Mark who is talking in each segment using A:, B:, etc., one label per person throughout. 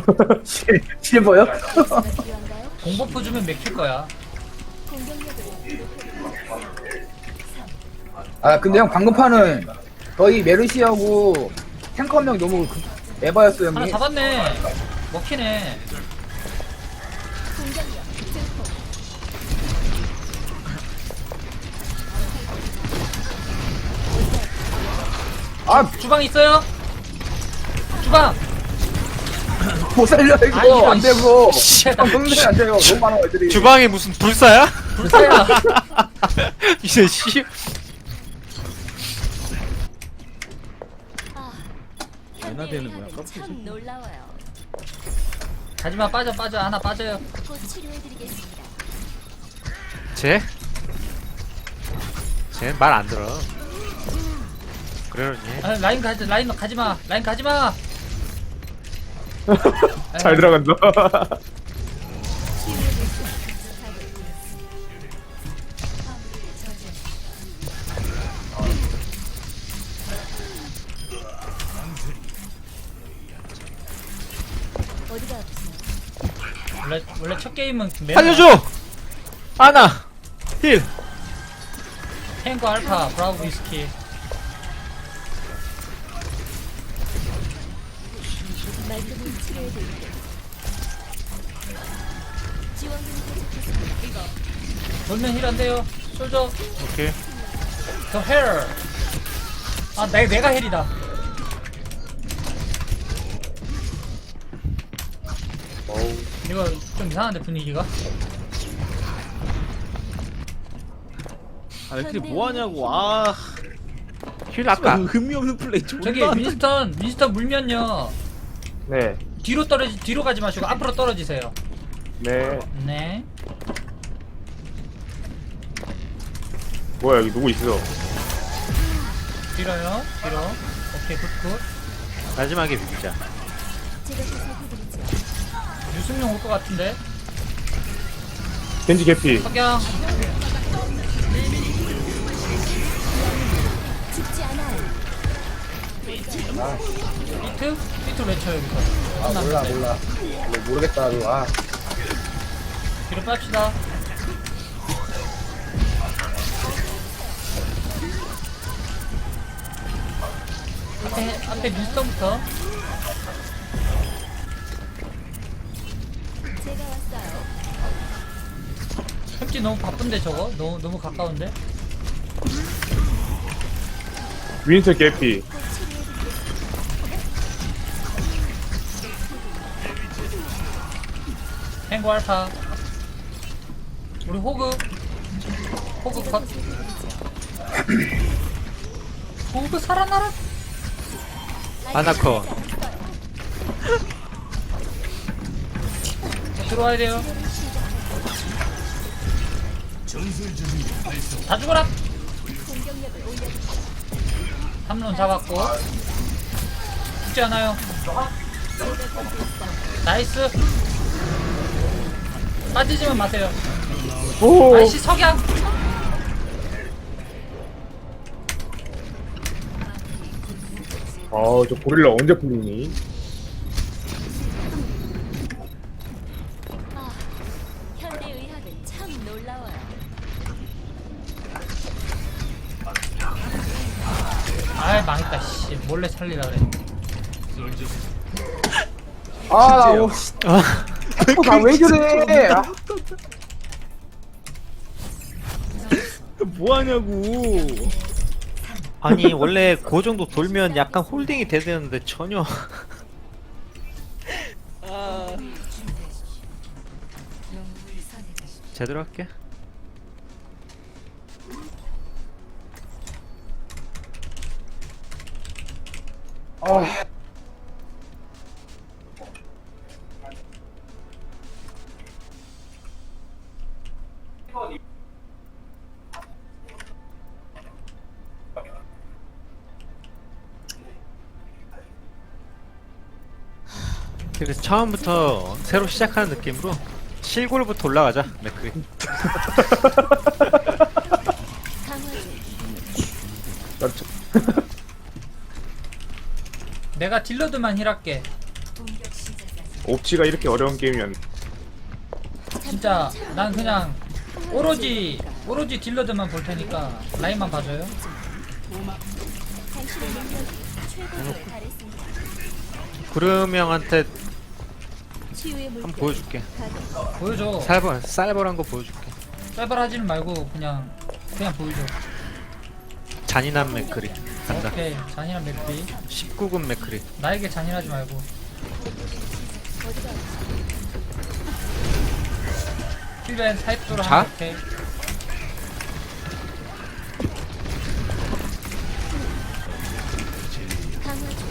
A: 실버요?
B: 공버프 주면 맥힐 거야.
A: 아 근데 형 방금 판은 거의 메르시하고 탱커 한 명 너무 에바였어요
B: 하나
A: 형님.
B: 잡았네. 먹히네.
A: 아
B: 주방 있어요? 주방.
A: 못 살려
B: 아,
A: 이거
B: 이런
A: 안 되고.
B: 씨.
A: 형 성능이 안 돼요. 너무 많아 애들이.
C: 주방에 무슨 불사야?
B: 불사야.
C: 이제 씨.
D: 얼마 되는 거야?
E: 참 놀라워요.
B: 가지마 빠져 하나 빠져요.
E: 곧 치료해드리겠습니다.
C: 쟤? 쟤는 말 안 들어. 그러니.
B: 아, 라인 가지마. 라인 가지마.
F: 잘 들어간다.
E: 어디가 아프세요?
B: 원래 첫 게임은
C: 살려줘! 아나! 힐!
B: 탱고 알파 브라보 위스키.
E: 말끔히 치료해드릴게요. 지원금이 도착했습니다.
B: 돌면 힐 안 돼요. 솔져.
C: 오케이.
B: 더 헬. 아 내가 헬이다. 이거 좀 이상한데 분위기가.
D: 아 근데 뭐하냐고. 아
C: 힐 아까.
D: 의미 없는 플레이 존나.
B: 저기 윈스턴 물면요.
F: 네.
B: 뒤로 가지 마시고 앞으로 떨어지세요.
F: 네.
B: 네.
F: 뭐야 여기 누구 있어?
B: 뒤로요. 뒤로. 오케이 굿.
C: 마지막에 비비자.
E: 제가 보살펴드리죠.
B: 유승용 올 것 같은데.
F: 겐지 개피.
B: 석양.
E: 죽지 않아요.
B: 비트 외쳐 여기서.
A: 아 몰라 몰라. 모르겠다 너. 아
B: 뒤로 뺍시다. 앞에 윈스턴부터.
E: 제가 왔어요.
B: 햄찌 너무 바쁜데 저거? 너무 가까운데?
F: 윈스 개피.
E: 곧 치료해드리겠습니다.
B: 탱고 알파. 우리 호그 컷. 호그 살아나라.
C: 아나커.
B: 들어와야 돼요. 다 죽어라.
E: 공격력을 올려드리죠.
B: 3론 잡았고. 죽지 않아요. 나이스. 빠지지만 마세요.
F: 오.
B: 아이씨 석양.
F: 아저 고릴라 언제 풀리니?
E: 아, 현대의학은 참 놀라워요.
B: 아이 망했다 씨. 몰래 살리라 그래.
A: 아, 나왜 저래? 아,
D: 뭐하냐고.
C: 아니 원래 그 정도 돌면 약간 홀딩이 돼야 되는데 전혀. 제대로 할게.
A: 아,
C: 그래서 처음부터 새로 시작하는 느낌으로 실골부터 올라가자. 맥크리.
E: 강화제
B: 내가 딜러드만 힐할게.
E: 공격 시작까지
F: 옵치가 이렇게 어려운 게임이었네.
B: 진짜 난 그냥 오로지 딜러들만 볼 테니까 라인만 봐줘요.
E: 당신의 능력이 최고에 달했습니다.
C: 구름 형한테
E: 치유의
C: 한번
E: 물결.
C: 보여줄게.
E: 가동.
B: 보여줘.
C: 쌀벌한 거 보여줄게.
B: 쌀발하지는 말고 그냥 보여줘.
C: 잔인한 맥크리 간다.
B: 오케이. 잔인한 맥비.
C: 19금 맥크리.
B: 나에게 잔인하지 말고.
E: 어디가
B: 힐벤 타입도로
C: 자?
B: 하면 오케이.
E: 강화 중.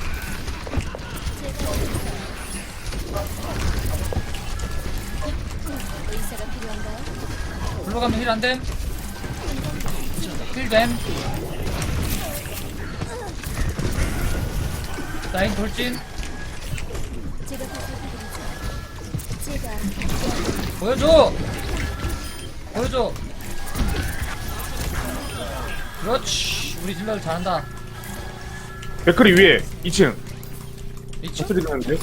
E: 제가 의사가 필요한가요?
B: 불러 가면 힐 안됨. 힐됨. 라인 돌진.
E: 제가 보살펴드리죠. 제가
B: 보여줘. 그렇지. 우리 딜러들 잘한다.
F: 맥크리 위에 2층.
B: 미치?
F: 소리 나는데?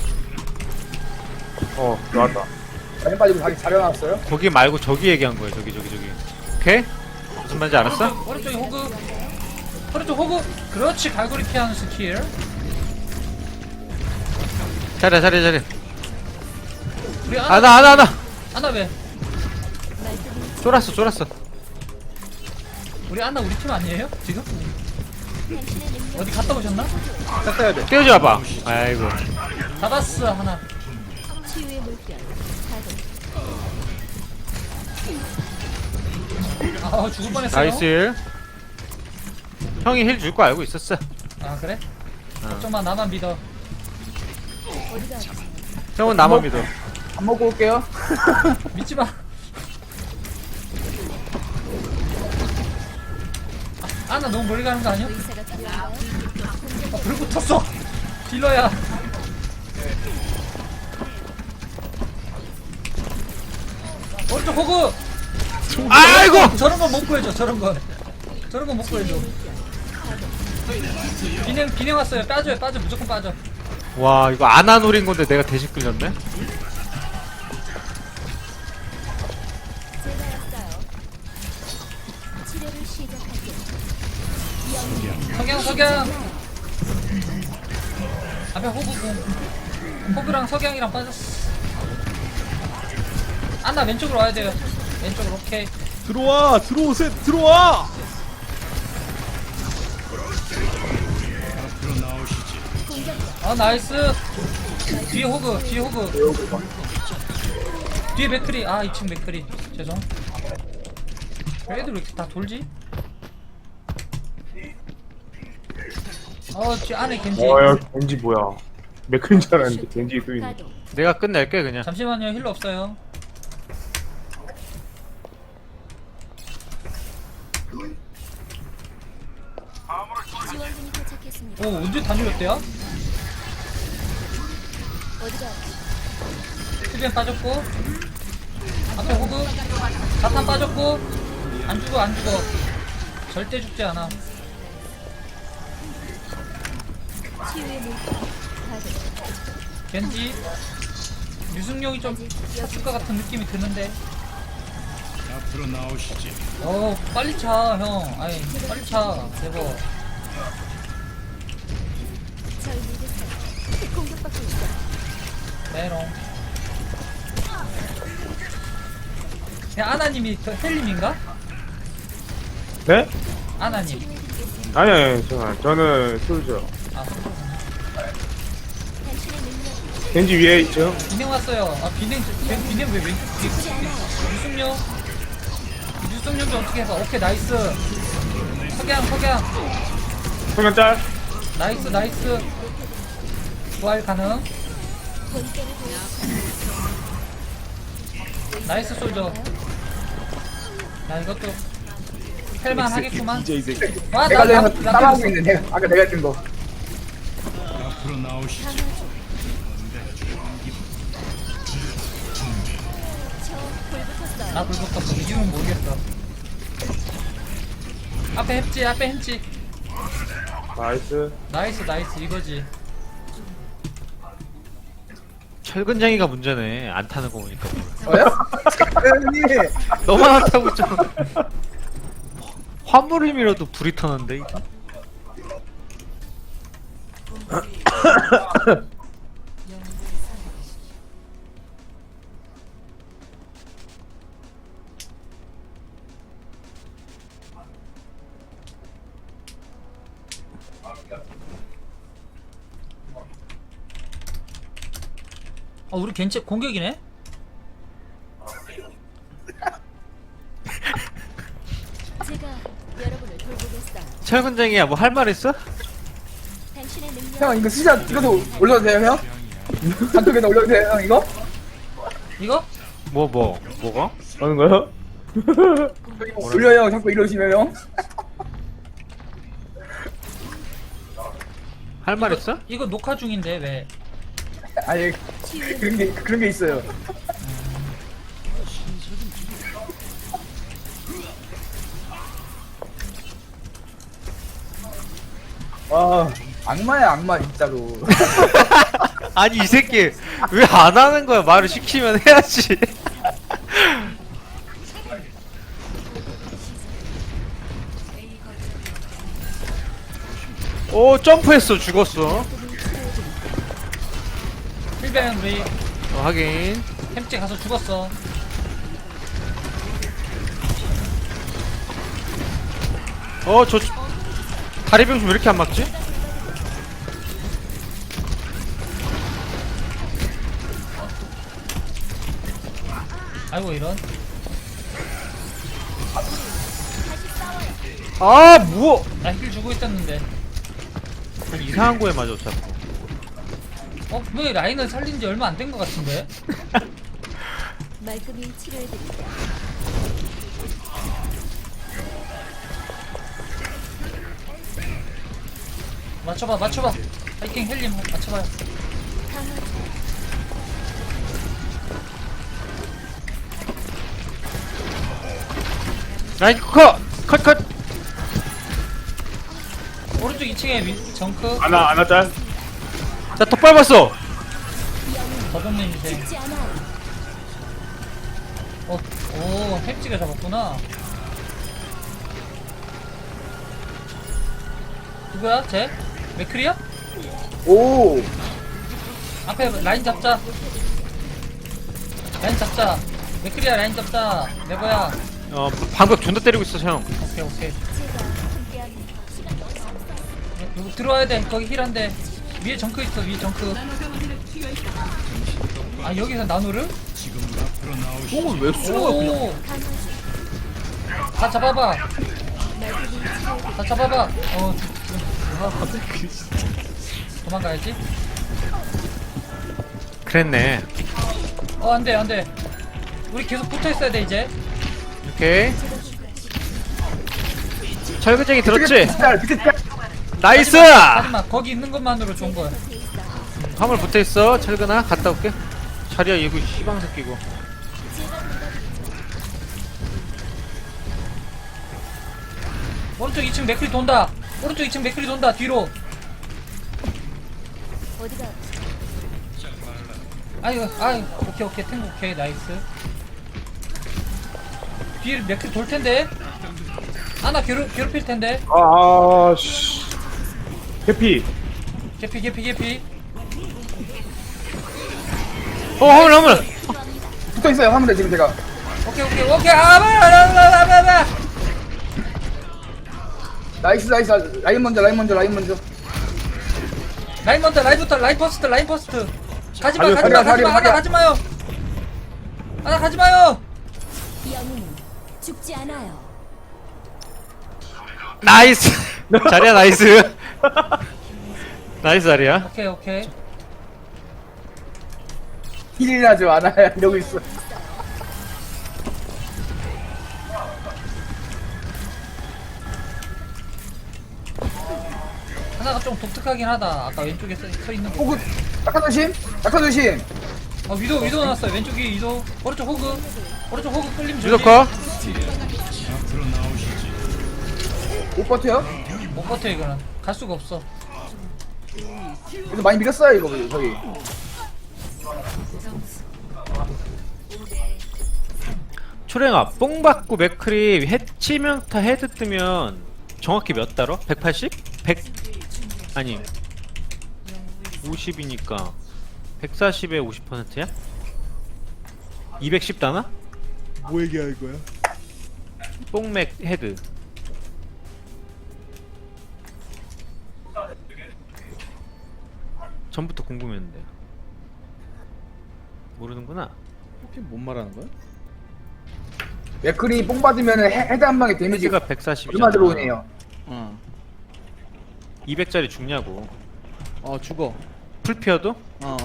F: 나왔다.
A: 라인 빠지고 자기 자려놨어요?
C: 거기 말고 저기 얘기한 거야. 저기. 오케이? 무슨 말인지 알았어?
B: 오른쪽에 호그. 오른쪽 호그. 그렇지. 갈고리 피하는 스킬.
C: 잘해.
B: 우리
C: 하나.
B: 아나 왜?
C: 쫄았어.
B: 우리 아나 우리 팀 아니에요? 지금?
E: 당신의 능력
B: 어디 갔다 오셨나?
F: 닦아야 돼.
C: 떼어줘봐. 아이고.
B: 잡았어 하나.
E: 치유의 물결. 가동.
B: 아 죽을 뻔했어요.
C: 나이스 힐. 형이 힐 줄 거 알고 있었어.
B: 아 그래? 걱정마 나만 믿어.
E: 어디가 아프세요?
C: 형은 나만 믿어.
A: 밥 먹고 올게요.
B: 믿지 마. 아나 너무 멀리 가는 거 아니야?
E: 의사가 필요한가요?
B: 불 붙었어. 딜러야. 오른쪽 호그.
C: 아이고.
B: 저런 건 못 구해줘. 저런 건 못 구해줘. 비냉 왔어요. 빠져요. 무조건 빠져.
C: 와 이거 안아 노린 건데 내가 대신 끌렸네.
E: 제가 왔어요. 치료를 시작할게요.
B: 석양. 앞에 호그공. 호그랑 석양이랑 빠졌어. 아나 왼쪽으로 와야 돼요. 왼쪽으로 오케이.
D: 들어와.
B: 아 나이스. 뒤에 호그. 뒤에 맥크리. 아 2층 맥크리. 죄송. 왜 애들 왜 이렇게 다 돌지? 뒤 안에 겐지.
F: 야, 겐지 뭐야. 맥크리인 줄 알았는데 겐지 또 있네.
E: 가동.
C: 내가 끝낼게 그냥.
B: 잠시만요. 힐러 없어요.
E: 지원군이 도착했습니다.
B: 오 언제 다 눌렸대요?
E: 어디가 아프세요?
B: 힐벤 빠졌고 앞에 호그 자탄 빠졌고 안 죽어 절대 죽지 않아.
E: 치유의 물결. 가동.
B: 겐지 유승용이 좀 찼을 것 같은 느낌이 드는데.
G: 앞으로 나오시지.
B: 빨리 차 형. 아이 빨리 차 대박.
E: 절 믿으세요. 공격받고 있어.
B: 메롱. 야 아나님이 저 헬림인가?
F: 네?
B: 아나님.
F: 아니, 저는 솔저.
B: 아
E: 당신의 능력이
F: 겐지 위에 있죠?
B: 비냉 왔어요. 아 비냉 왜 왼쪽 뒤에 유승용 좀 어떻게 해봐. 오케이 나이스. 석양
F: 성현 짤.
B: 나이스. 부활 가능.
E: 본때를 보여.
B: 나이스 솔저. 야 이것도 헬만 하겠구만.
D: DJ 새끼.
B: 와
A: 내가
B: 나
A: 따라하고 있는 아까 내가 했던 거.
G: 앞으로 나오시지.
E: 강화 중. 저불 붙었어요.
B: 나 불 붙었어. 이유는 모르겠어. 앞에 햄찌.
F: 나이스.
B: 나이스 이거지.
C: 철근장이가 문제네. 안 타는 거 보니까.
A: 저요? 형님
C: 너만 안 타고 있잖아. 화물임이라도 불이 타는데 이거.
B: 우리 겐체 공격이네?
E: 제가 여러분을 돌보겠어요.
C: 철근장이야 뭐 할 말 있어?
E: 당신의 능력
A: 형 이거 진짜 이것도 올려도 돼요 형? 단톡에다 올려도 돼요 형 이거?
B: 이거?
C: 뭐가?
F: 하는 거야?
A: 올려요 자꾸 이러시면 형?
C: 할 말 있어?
B: 이거 녹화 중인데 왜?
A: 아니 그런 게 있어요. 아 악마야 악마 진짜로.
C: 아니 이 새끼 왜 안 하는 거야? 말을 시키면 해야지. 오 점프했어 죽었어.
B: 필뱅 우리
C: 확인.
B: 햄찌 가서 죽었어.
C: 저 다리 병신 왜 이렇게 안 맞지?
B: 아이고 이런.
C: 아 뭐?
B: 나 힐 주고 있었는데.
C: 이상한 거에 맞아 자꾸.
B: 왜 라인을 살린 지 얼마 안 된 것 같은데?
E: 말끔히 치료해드릴게요.
B: 맞춰봐. 하이킹 헬림 맞춰봐요.
E: 강화
C: 라인 컷!
B: 오른쪽 2층에 정크
F: 아나 짤.
C: 나 더 밟았어!
B: 더듬는 인생.
E: 죽지 않아요.
B: 오 햄찌가 잡았구나. 누구야 쟤? 맥크리야?
A: 오
B: 앞에 라인 잡자. 맥크리야 라인 잡자. 내거야.
C: 방벽 존나 때리고 있어 형.
B: 오케이.
E: 제가 함께합니다. 시간이 없어요.
B: 여기 들어와야 돼. 거기 힐한데. 위에 정크 있어. 위에 정크. 아 여기서 나노를?
G: 지금 앞으로 나오시죠.
D: 뽕을 왜 쏘아 그냥.
B: 오.
E: 강화
B: 다 잡아봐.
E: 말끔히 치료해드릴게요.
B: 다 잡아봐. 도망가야지.
C: 그랬네.
B: 안돼. 우리 계속 붙어 있어야 돼 이제.
C: 오케이. 철근장이 들었지?
A: 밑에 짤.
C: 나이스!
B: 하지마. 거기 있는 것만으로 좋은 거야.
E: 돼 있어요.
C: 화물 붙어있어. 철근아 갔다 올게. 자리야 이거 시방 새끼고.
E: 제가 돌봐드릴게요.
B: 오른쪽 2층 맥크리 돈다. 뒤로.
E: 어디가
B: 아이고 오케이 탱고 오케이 나이스. 뒤에 맥크리 돌 텐데. 나 괴롭힐 텐데.
F: 씨. 해피.
B: 개피.
C: 화물!
A: 붙어 있어요 화물에 지금 제가.
B: 오케이. 아.
A: 나이스 라인 먼저.
B: 라인 퍼스트. 가지마요.
E: 영웅은 죽지 않아요.
C: 나이스! 자리야 나이스! 나이스 자리야.
B: 오케이.
A: 힐이나 좀 안아야 이러고 있어.
B: 하나가 좀 독특하긴 하다. 아까 왼쪽에 서 있는 거.
A: 호구 약간 조심.
B: 위도 나왔어요. 왼쪽 위에 위도. 오른쪽 호그 끌림 조심.
C: 유도커.
G: 앞으로 나오시지.
A: 못 버텨요?
B: 못 버텨 이거는. 갈 수가 없어.
A: 그래서 많이 밀었어요 이거 저기.
C: 초랭아 뽕 받고 맥크리 치명타 헤드 뜨면 정확히 몇 달어? 180? 100 아니 50이니까 140에 50%야? 210 다나?
D: 뭐 얘기하는 거야?
C: 뽕맥 헤드. 전부터 궁금했는데 모르는구나.
D: 혹시 뭔 말하는 거야?
A: 맥클이 뽕 받으면 헤드 한 방에 데미지가
C: 헤드가 140이잖아.
A: 얼마 들어오네요.
C: 200짜리 죽냐고.
D: 죽어.
C: 풀피어도?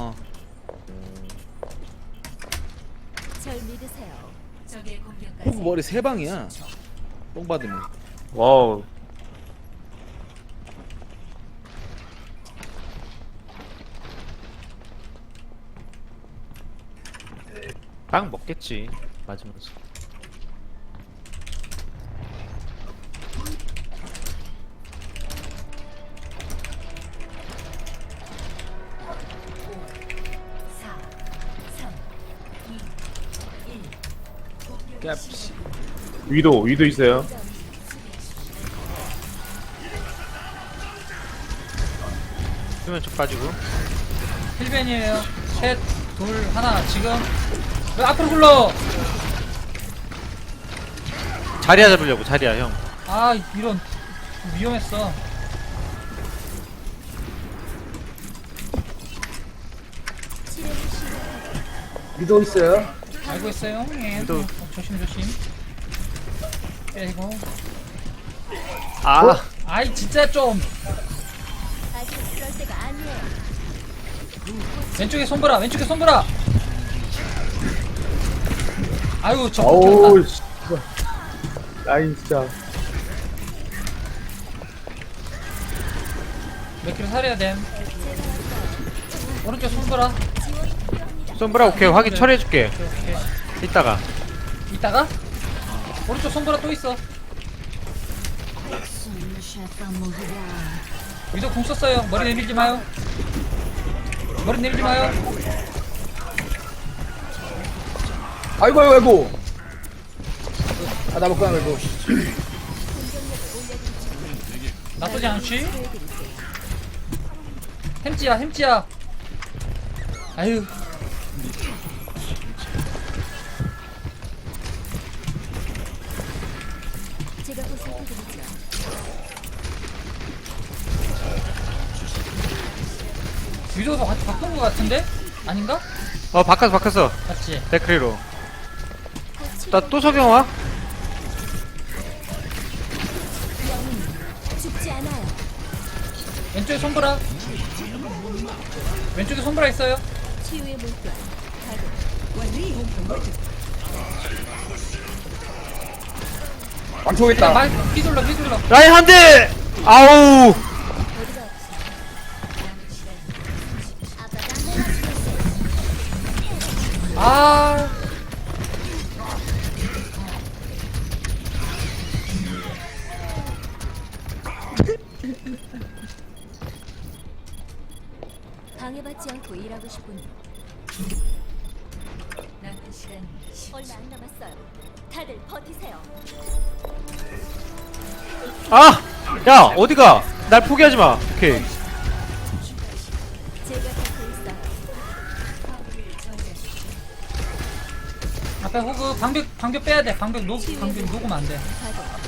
E: 절 믿으세요.
D: 호구 머리 세 방이야. 뽕 받으면.
F: 와우.
C: 빵 먹겠지 맞으면서.
D: 깝시.
F: 위도 있어요.
C: 수면 쪽 빠지고.
B: 힐벤이에요. 셋, 둘, 하나. 지금 왜 앞으로 굴러?
C: 자리야 잡으려고. 자리야 형.
B: 아 이런 위험했어.
E: 치료를 시작.
A: 위도 있어요.
B: 알고 있어요. 예.
C: 또-
B: 조심. 빼고.
C: 아
B: 아이 진짜 좀
E: 아직 그럴 때가 아니에요.
B: 왼쪽에 손보라. 아유 저
F: 어우
B: 못
F: 씨. 아이 진짜.
B: 몇 킬로 살해야 됨. 오른쪽 손보라.
C: 솜브라 오케이 확인 처리해줄게.
B: 오케이.
C: 이따가.
B: 이따가 오른쪽 손보라 또 있어. 위도 공 썼어요. 머리 내밀지 마요.
A: 아이고. 나 먹고 그래도.
B: 나쁘지 않지? 햄찌야. 아유.
E: 제가 보살펴드리죠.
B: 위도도 바꾼 거 같은데? 아닌가?
C: 바꿨어.
B: 맞지?
C: 데크리로. 나 또 석영 와?
E: 죽지 않아요.
B: 왼쪽에 손보라. 왼쪽에 손보라 있어요.
E: 치유의 물결.
A: 망초겠다.
B: 말 휘둘러.
C: 라인 한 대. 아우.
E: 어디가
B: 아.
E: 방해받지 않고 일하고 싶군요. 얼마 안 남았어요. 다들 버티세요.
C: 아! 야 어디가? 날 포기하지 마. 오케이.
E: 제가 곁에 있어요.
B: 앞에 호그 방벽 빼야 돼. 방벽 녹으면 안 돼.
E: 가도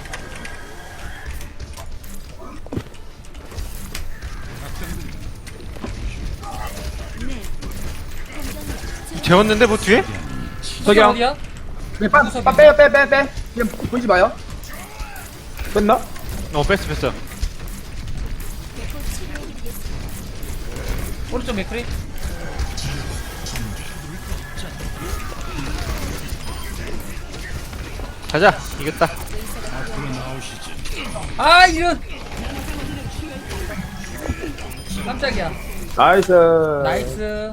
C: 재웠는데 뭐 뒤에?
B: 석영 어디야?
A: 빼. 그냥 보지 마요. 뺐나?
C: 뺐어.
E: 곧 치료해드리겠습니다.
B: 오른쪽 맥크리.
C: 가자. 이겼다.
G: 앞으로 나오시지.
B: 아 이런. 깜짝이야.
F: 나이스.
B: 나이스.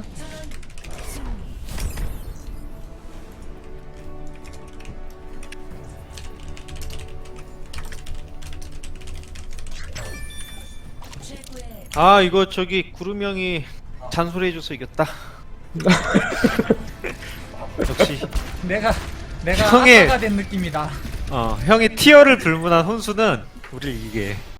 C: 아 이거 저기 구름 형이 잔소리 해줘서 이겼다. 역시
B: 내가
C: 형의-
B: 아빠가 된 느낌이다.
C: 형의 티어를 불문한 혼수는 우리를 이기게 해.